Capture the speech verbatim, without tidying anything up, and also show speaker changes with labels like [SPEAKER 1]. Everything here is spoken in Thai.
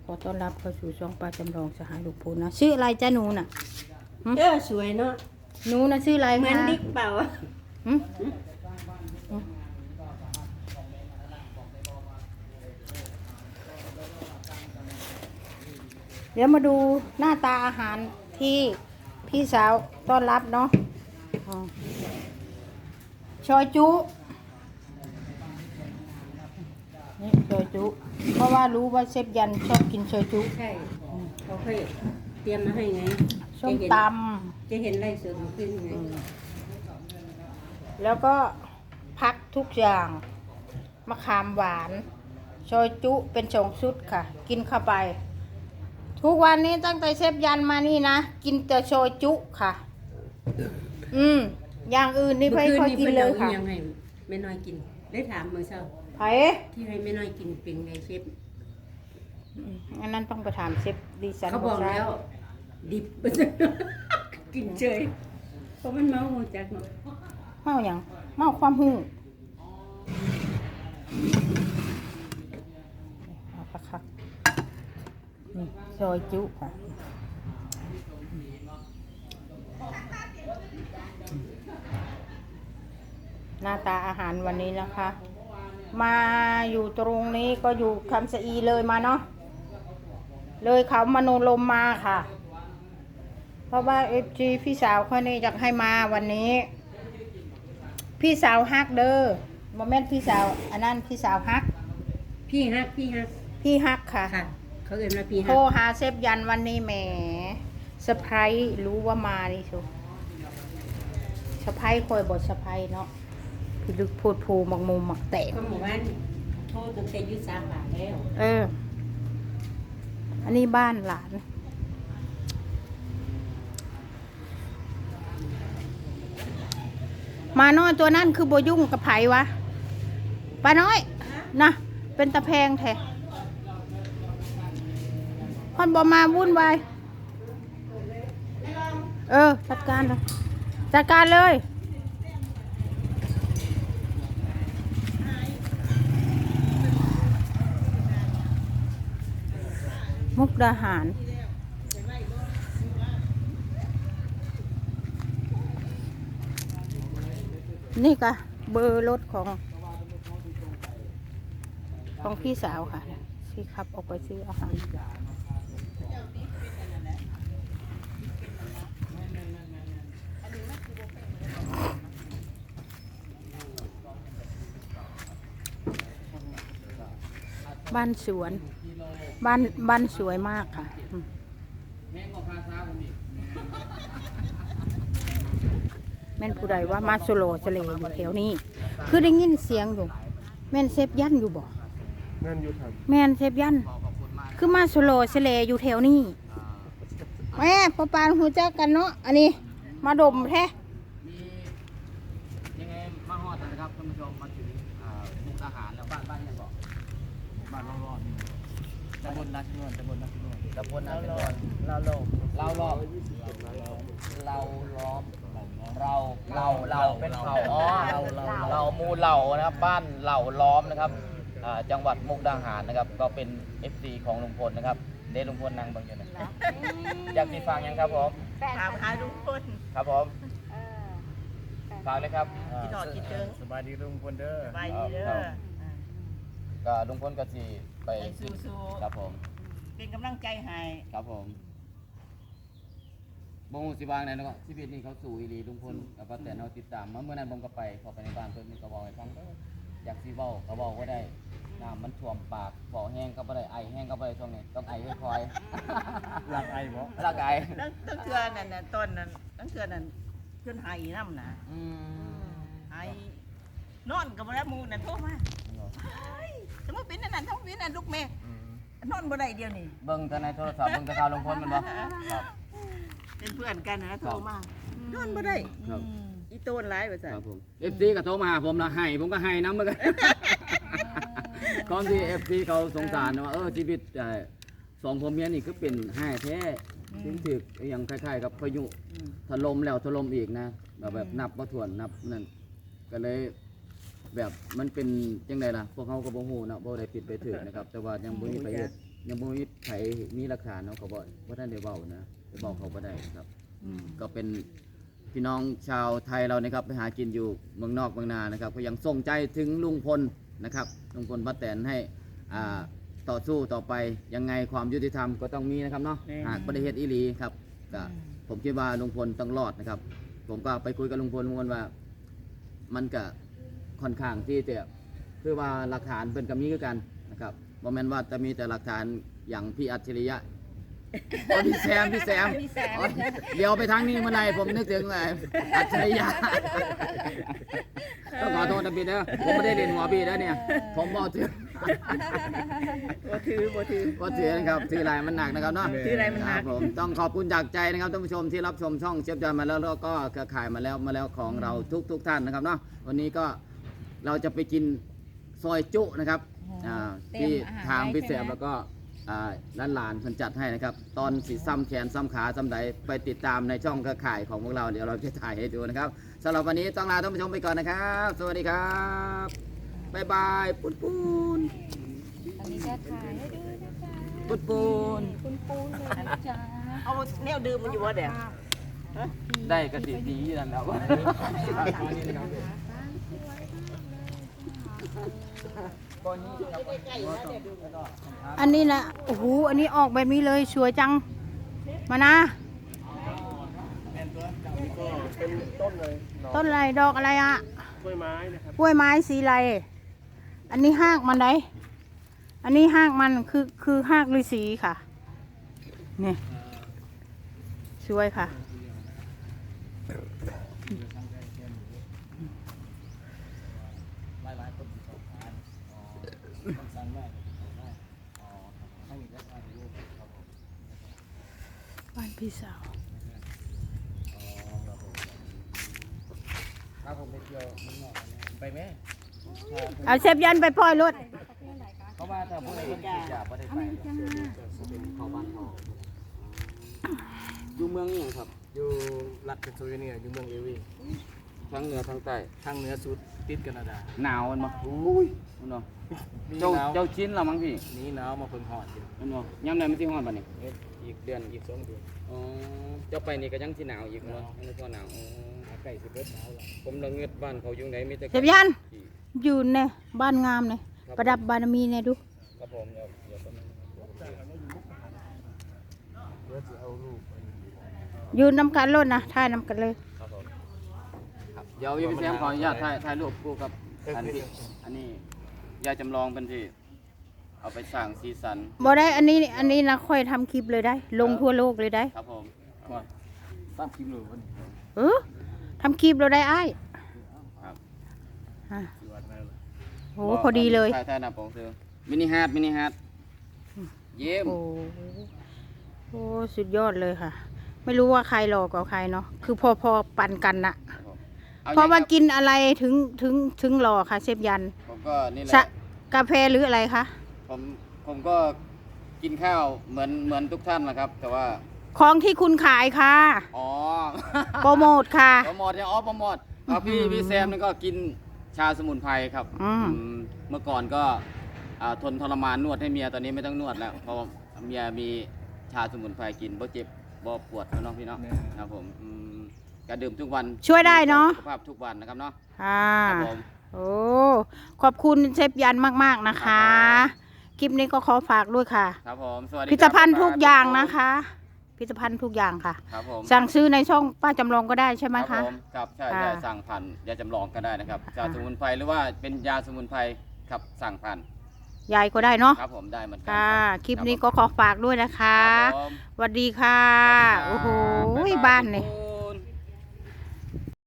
[SPEAKER 1] ขอต้อนรับเข้าสู่ช่องป้าจำลองสหายลูกพูนนะชื่ออะไรจ้าหนูน่ะ
[SPEAKER 2] เออสวยเนาะ
[SPEAKER 1] หนูน่ะชื่ออะไรคะ
[SPEAKER 2] เหมือนดิกเปล่า
[SPEAKER 1] หึเดี๋ยวมาดูหน้าตาอาหารที่พี่สาวต้อนรับเนาะชอยจุนี่ชอยจุเพราะว่ารู้ว่าเชฟยันชอบกินชอยจุ
[SPEAKER 2] ใช่เขาเคยเตรียมมาให้ไง
[SPEAKER 1] ส้มต
[SPEAKER 2] ำจะเห็นไล่เสือขึ้นไง
[SPEAKER 1] แล้วก็พักทุกอย่างมะขามหวานชอยจุเป็นสองชุดค่ะกินเข้าไปทุกวันนี้ตั้งแต่เชฟยันมานี่นะกินแต่ชอยจุค่ะอืมอย่างอื่นนี่ไม่ค่อยกินเลยค่ะ
[SPEAKER 2] ยังไงไม่น้อยกินได้ถามเมื่อเช้า
[SPEAKER 1] ไผ่
[SPEAKER 2] ที่ให้ไม่น้อยกินเป็นไงเชฟ
[SPEAKER 1] อันนั้นต้องไปถามเชฟดิฉัน
[SPEAKER 2] เขาบอกแล้วดิบกินเฉยเพราะมันเมาหัวจักเนาะ
[SPEAKER 1] เมาอย่างเมาความหูเอาปะคักนี่ซอยจุค่ะหน้าตาอาหารวันนี้นะคะ มาอยู่ตรงนี้ก็อยู่คำสะอีเลยมาเนาะเลยเขามโนลมมาค่ะเพราะว่าเอฟจีพี่สาวเขานี่อยากให้มาวันนี้พี่สาวฮักเด้อโมเมนต์พี่สาวอันนั้นพี่สาวฮัก
[SPEAKER 2] พี่ฮักพี่ฮัก
[SPEAKER 1] พี่ฮักค่ะ
[SPEAKER 2] เขาเอ่ยมาพี่ฮัก
[SPEAKER 1] โทรหาเซฟยันวันนี้แหมเซอร์ไพรส์รู้ว่ามาดิชูเซอร์ไพรส์คอยบทเซอร์ไพรส์เนาะพี่ลึกพูดภูหมักมุมหมักแตก
[SPEAKER 2] ก็หมู่บ้านโทรตั้งแต่ยุทธสามบาทแล้ว
[SPEAKER 1] เอออันนี้บ้านหลานมาน้อยตัวนั่นคือโบยุ่งกับไผวะป้าน้อยนะเป็นตะแพงแท้พอนบอมาวุ่นวายเออจัดการเลยจัดการเลยมุกดาหารนี่ก็เบอร์รถของของพี่สาวค่ะที่ขับออกไปซื้ออาหารบ้านสวนบ้านบ้านสวยมากค่ะแม่นผู้ใดว่ามาโซโลเสลอยู่แถวนี้คือได้ยินเสียงอยู่แม่นเซฟยันอยู่บ่
[SPEAKER 3] แม่นอยู่ครับ
[SPEAKER 1] แม่นเซฟยันคือมาโซโลเสลอยู่แถวนี้แม่ปะปานหูจักกันเนาะอันนี้มาดมแท้
[SPEAKER 4] ยังไงมาฮอดนะครับท่านผู้ชมมาถึงมุกอาหารแล้วบ้านบ้านยังบอกบ้านรอดตำบลนาชินวนตำบลนาชินวนตำบลนาชินวนเราล้อมเราล้อมเราล้อมเราเราเราเป็นเผ่าอ๋อเราเรามูเหล่านะครับบ้านเหล่าล้อมนะครับจังหวัดมุกดาหารนะครับก็เป็น เอฟ ซี ของลุงพลนะครับเดลุงพลนางบางอย่างนะอยากติดฟังยังครับผม
[SPEAKER 2] ถามหาลุงพล
[SPEAKER 4] ครับผมฟังเลยครับ
[SPEAKER 2] คิดหอดคิดเดิม
[SPEAKER 4] สบายดีลุงพลเด้อ
[SPEAKER 2] สบายดีเด้อ
[SPEAKER 4] ก็ลุงพลก็สิไป
[SPEAKER 2] สู้ๆ
[SPEAKER 4] ครับผม
[SPEAKER 2] เป็นกำลังใจให้
[SPEAKER 4] ครับผมบงสิบางไหนเนาะชีวิตนี้เขาสู่อีหลีลุงพลกับป้าแตนเราติดตามมาเมื่อนั้นผมก็ไปพอไปในบ้านเพิ่นมีกระบอกให้ฟังอยากซีเว้ากระบอกก็ได้น้ำมันท่วมปากฝอแห้งก็บ่ได้ไอแห้งก็บ่ได้ช่วงนี้ต้องไอค่อยๆหลักไอบ่หลักไอ
[SPEAKER 2] ตั้งเทือนั่นน่ะต้นนั้นตั้งเทือนั่นเพื่อนไห้น้ำนะ
[SPEAKER 4] อืม
[SPEAKER 2] ไห้นอนกับบ่ได้มูนั่นโทรมาสมมุติเป็นนั่นทั้งเป็นนั่นลูกแม่นอนบ่ได้เดียวนี่
[SPEAKER 4] เบิ่งแต่ในโทรศัพท์เบิ่งแต่ข่าวลุงพลมันบ่ครับ
[SPEAKER 2] เป็นเพื่อนกันนะโทรมานอนบ่ได้อีโต้นร้ายว่าซั่น
[SPEAKER 4] ครับผม เอฟ ซี ก็โทรมาหาผมนะให้ผมก็ให้นำเหมือนกันก่อนที่ เอฟ ซี เขาสงสารว่าเออชีวิตสองผัวเมียนี่คือเป็นให้แท้ถึงถึกอย่างคล้ายๆกับพายุถล่มแล้วถล่มอีกนะแบบแบบนับบ่ถ้วนนับนั่นก็เลยแบบมันเป็นจังได๋ล่ะพวกเขาก็บ่ฮู้นะบ่ได้ผิดไปถึกนะครับแต่ว่ายังบ่มีไปเฮ็ดยังบ่มีไผมีหลักฐานเนาะเขาบอกว่าท่านได้เว้านะไปบอกเขาบ่ได้ครับอืมก็เป็นพี่น้องชาวไทยเรานะครับไปหากินอยู่เมืองนอกเมืองนานะครับก็ยังส่งใจถึงลุงพลนะครับลุงพลป้าแตนให้อ่าต่อสู้ต่อไปยังไงความยุติธรรมก็ต้องมีนะครับเนาะหากประเทศอีหลีครับก็ผมคิดว่าลุงพลต้องรอดนะครับผมก็ไปคุยกับลุงพลลุงพลว่ามันก็ค่อนข้างที่จะคือว่าหลักฐานเป็นกับมีคือกันนะครับบ่แม่นว่าจะมีแต่หลักฐานอย่างพี่อัจฉริยะอ๋อพี่แซมพี่แซมอ๋อเดี๋ยวไปทางนี้เมื่อไหร่ผมนึกถึงอะไรอัจฉริยะต้องขอโทษนะพี่เด้อผมไม่ได้เรียนหัวพี่แล้วเนี่ยผมบอกถือ
[SPEAKER 2] บ่ถือบ่ถือ
[SPEAKER 4] ก็ถือนะครับถือลายมันหนักนะครับเนาะ
[SPEAKER 2] ถืออะไรมันหนัก
[SPEAKER 4] ครับผมต้องขอบคุณจากใจนะครับท่านผู้ชมที่รับชมช่องเชฟจอยมาแล้วแล้วก็เครือข่ายมาแล้วมาแล้วของเราทุกทุกท่านนะครับเนาะวันนี้ก็เราจะไปกินซอยจุนะครับอ่าที่ทางพี่แซมแล้วก็อ่าร้านหลานเพิ่นจัดให้นะครับตอนสีซ้ำแขนซ้ำขาซ้ำใดไปติดตามในช่องเครือข่ายของพวกเราเดี๋ยวเราจะถ่ายให้ดูนะครับสำหรับวันนี้ต้องลาท่านผู้ชมไปก่อนนะครับสวัสดีครับบ๊ายบายปุ้นปุ้น
[SPEAKER 1] อันนี้จะถ่ายให้ดูนะคะ
[SPEAKER 4] ปุ้นปุ้น
[SPEAKER 1] คุณปูนเลยนะจ๊ะ
[SPEAKER 2] เอาแนวดื่มมันอยู่บ่เด้อ
[SPEAKER 4] ได้กระสีดีนั่นแล้ว
[SPEAKER 1] อันนี้นะโอ้โหอันนี้ออกแบบนี้เลยสวยจังมานะต้นอะไรดอกอะไรอ่ะกล้วยไม้นะครับกล้วยไม้สีอะไรอันนี้หากมันไดอันนี้หากมันคือคือหากฤาษีค่ะนี่สวยค่ะบ้านพี่สาว
[SPEAKER 4] ถ้าผมไปเที่ยวมึงนอกไปไหม
[SPEAKER 1] เอาเชฟยันไปปล่อยรถ
[SPEAKER 4] เพราะว่าถ้าพวกนี้มันขีดยาไม่ได้ไปเขาบ้านเขาอยู่เมืองนี่ครับ
[SPEAKER 3] อยู่รัฐเพนซิลเวเนียอยู่เมืองเอวี
[SPEAKER 4] ทั้งเหนือทั้งใต้
[SPEAKER 3] ทางเหนือสุดติดแคนาดา
[SPEAKER 4] หนาวมันมาอุ้ยมันเนาะ
[SPEAKER 3] มี
[SPEAKER 4] เจ้า
[SPEAKER 3] หนาว
[SPEAKER 4] เจ้าชิ้นเรามั้งพี่
[SPEAKER 3] หนี้หนาวมาเพิ่งหอดอยู่
[SPEAKER 4] มันเนาะย้ำไหนมันที่ห้อนป่ะนี่
[SPEAKER 3] เอ๊ะอีกเดือนอีกสองเดือน
[SPEAKER 4] อ๋อเจ้าไปนี่ก็ยังที่หนาวอีกเนาะยังไม่พอหนาวอ๋อ
[SPEAKER 3] อากาศสิบเอ็ดหนาวแล้ว
[SPEAKER 4] ผมละเงือดบ้านเขาอยู่ไหนมีแต่
[SPEAKER 1] เชฟยันอยู่ในบ้านงามเลยประดับบารมีเนี่ยดู
[SPEAKER 4] ครับผมเดี๋ยวเดี๋ยวก็ไม่
[SPEAKER 3] เพื่อจะเอาลูกไป
[SPEAKER 1] อยู่น้ำกันรถนะถ่ายน้ำกันเลย
[SPEAKER 4] ครับผมครับเดี๋ยวพี่แซมขออนุญาตถ่ายถ่ายรูปคู่กับอันที่อันนี้ยายจำลองเป็นที่เอาไปสร้างสีสัน
[SPEAKER 1] บ่ได้อันนี้อันนี้นะค่อยทำคลิปเลยได้ ลงทั่วโลกเลยได้
[SPEAKER 4] ครับผม
[SPEAKER 3] ว่าตามคลิปเลยวันนี้
[SPEAKER 1] เออทำคลิปเราได้อ้าย
[SPEAKER 4] ครับ
[SPEAKER 1] อ่ะ
[SPEAKER 3] อยู่วัดนั่นแหละ
[SPEAKER 1] โหพอดีเลย
[SPEAKER 4] ถ่ายถ่ายหน้าปกเสือมินิฮาร์ดมินิฮาร์ดเยี่ยม
[SPEAKER 1] โอ้โหสุดยอดเลยค่ะ ไม่รู้ว่าใครหลอกกับใครเนาะคือพอพอปั่นกันนะ
[SPEAKER 4] ครับผม
[SPEAKER 1] เพราะว่า
[SPEAKER 4] อย่ง
[SPEAKER 1] กินอะไรถึงถึงถึงหล่อค่ะเชฟยัน
[SPEAKER 4] ผมก็นี่แห
[SPEAKER 1] ชะ
[SPEAKER 4] ละ
[SPEAKER 1] กาแฟหรืออะไรคะ
[SPEAKER 4] ผมผมก็กินข้าวเหมือนเหมือนทุกท่านนะครับ แต่ว่า
[SPEAKER 1] ของที่คุณขายค่ะ
[SPEAKER 4] อ๋อ
[SPEAKER 1] โปรโมทค่ะ
[SPEAKER 4] โปรโมทเนี่ยอ๋อโปรโมทเอาพี่พี่แซมนี่ก็กินชาสมุนไพรครับ
[SPEAKER 1] อืม
[SPEAKER 4] อืมเมื่อก่อนก็อ่าทนทรมานนวดให้เมียตอนนี้ไม่ต้องนวดแล้วเพราะว่าเมียมีชาสมุนไพรกินบ่เจ็บบ่ปวดเนาะพี่เนาะครับผมอืมก็ดื่มทุกวัน
[SPEAKER 1] ช่วยได้เนาะ
[SPEAKER 4] สุขภาพทุกวันนะครับเนาะ
[SPEAKER 1] ค่ะ
[SPEAKER 4] ครับผม
[SPEAKER 1] โอ้ขอบคุณเชฟยันมากๆนะคะคลิปนี้ก็ขอฝากด้วยค่ะ
[SPEAKER 4] ครับผมสวัสดี
[SPEAKER 1] ผลิตภัณฑ์
[SPEAKER 4] ครับ
[SPEAKER 1] ทุกอย่างนะคะผลิตภัณฑ์ทุกอย่างค่ะ
[SPEAKER 4] ครับผม
[SPEAKER 1] สั่งซื้อในช่องป้าจำลองก็ได้ใช่ไหม
[SPEAKER 4] ครั
[SPEAKER 1] คะ
[SPEAKER 4] บผมครับใช่
[SPEAKER 1] ค่ะ
[SPEAKER 4] ใช่สั่งผ่านยาจำลองก็ได้นะครับ
[SPEAKER 1] ค่ะ
[SPEAKER 4] ยาสมุนไพรหรือว่าเป็นยาสมุนไพรครับสั่งผ่าน
[SPEAKER 1] ยายก็ได้เนาะ
[SPEAKER 4] ครับผมได้เหมือนกั
[SPEAKER 1] ค่ะ
[SPEAKER 4] รับ
[SPEAKER 1] คลิปนี้ก็ขอฝากด้วยนะคะ
[SPEAKER 4] ครับผม
[SPEAKER 1] สวัสดีค่ะ
[SPEAKER 4] สวัสดีครับ
[SPEAKER 1] โอ้โห
[SPEAKER 4] บ๊ยย
[SPEAKER 1] บ้านนี่
[SPEAKER 4] ทุกค